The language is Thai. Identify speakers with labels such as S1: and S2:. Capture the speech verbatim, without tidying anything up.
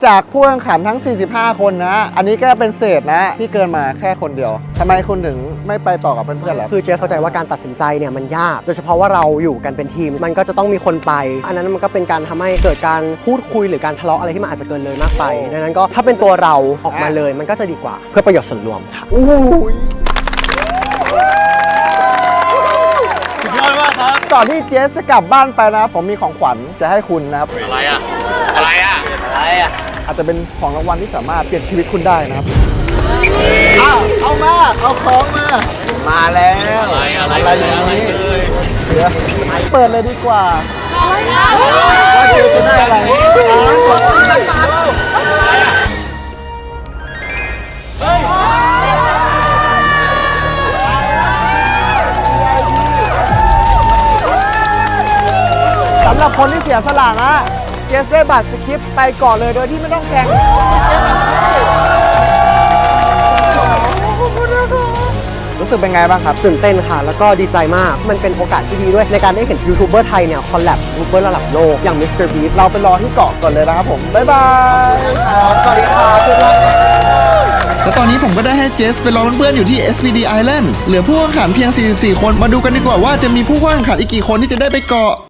S1: จากผู้แข่งขันทั้งสี่สิบห้าคนนะอันนี้ก็เป็นเศษนะที่เกินมาแค่คนเดียวทำไมคุณถึงไม่ไปต่อกับเพื่อนๆล่ะ
S2: คือเจสเข้าใจว่าการตัดสินใจเนี่ยมันยากโดยเฉพาะว่าเราอยู่กันเป็นทีมมันก็จะต้องมีคนไปอันนั้นมันก็เป็นการทำให้เกิดการพูดคุยหรือการทะเลาะอะไรที่มันอาจจะเกินเลยมากไปดังนั้นก็ถ้าเป็นตัวเราออกมาเลยมันก็จะดีกว่าเพื่อประโยชน์ส่วนรวมค่ะ
S1: อู้สุดยอดมากครับก่อนที่เจสจะกลับบ้านไปนะผมมีของขวัญจะให้คุณนะครับ
S3: อะไรอ่ะอะไรอ่ะอะไรอ่ะ
S1: อาจจะเป็นของรางวัลที่สามารถเปลี่ยนชีวิตคุณได้นะครับเอาเอามาเอาของมามาแล้ว
S3: อะไรอะไร
S1: อะไรอย่างนี้เดี๋ยวเปิดเลยดีกว่าว่าเจจะได้อะไรสำหรับคนที่เสียสละนะเจสได้บัตรสคริปต์ไปก่อนเลยโดยที่ไม่ต้องแข่งรู้สึกเป็นไงบ้างครับ
S2: ตื่นเต้นค่ะแล้วก็ดีใจมากมันเป็นโอกาสที่ดีด้วยในการได้เห็นยูทูบเบอร์ไทยเนี่ยคอลแลบยูทูบเบอร์ระดับโลกอย่างมิสเตอร์บีส
S1: เราไปรอที่เกาะก่อนเลยนะครับผมบ๊ายบายสวัสดีครับ
S4: แล้วตอนนี้ผมก็ได้ให้เจสไปรอเพื่อนๆอยู่ที่ เอส พี ดี Island เหลือผู้แข่งขันเพียงสี่สิบสี่คนมาดูกันดีกว่าว่าจะมีผู้แข่งขันอีกกี่คนที่จะได้ไปเกาะ